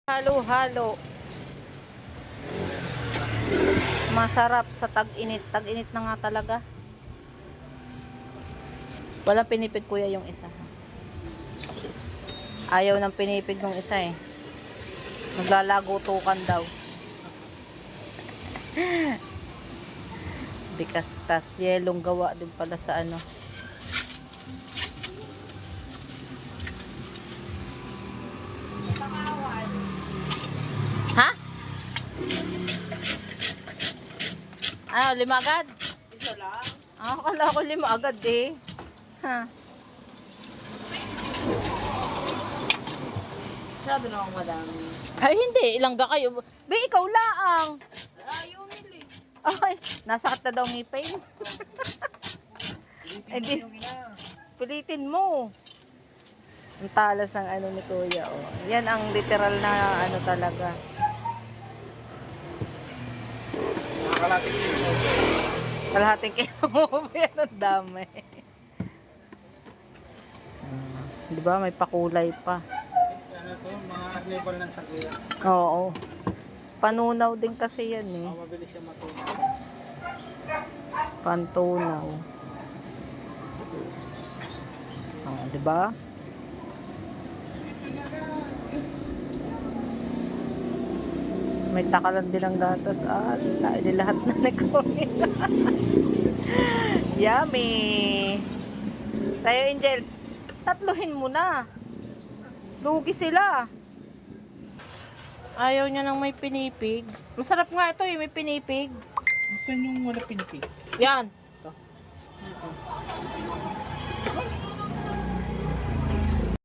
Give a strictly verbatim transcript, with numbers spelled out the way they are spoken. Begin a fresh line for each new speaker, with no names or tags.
Halo-halo. Masarap sa tag-init. Tag-init na nga talaga. Walang pinipig kuya yung isa. Ayaw ng pinipig ng isa eh. Maglalagutukan daw. Bikas-kas. Yelong gawa din pala sa ano. Ha? Ano, lima agad?
Isa lang.
Ah, akala ko lima agad eh. Ha?
Masyado na akong madami.
Ay, hindi. Ilangga kayo. Be, ikaw laang.
Ayaw nila eh.
Ay, nasakit na daw ngipin. Eh, di, pilitin mo. Ang talas ng ano ni Kuya. Oh. Yan ang literal na ano talaga.
Nakakalating kilo.
Kalahating kilo mo. Yan ang dami. Hmm, di ba? May pakulay pa.
Ano to? Mga arnibal ng sakuya.
Oo. Panunaw din kasi yan eh.
Oh, mabilis siya matunaw.
Pantunaw. Oh, di ba? May takalan din ang gatas. Ah, di lahat na nag-comment. Yummy. Tayo, Angel. Tatluhin mo na. Lugi sila. Ayaw niya nang may pinipig. Masarap nga ito eh, may pinipig.
Saan yung wala pinipig?
Yan.
Ito.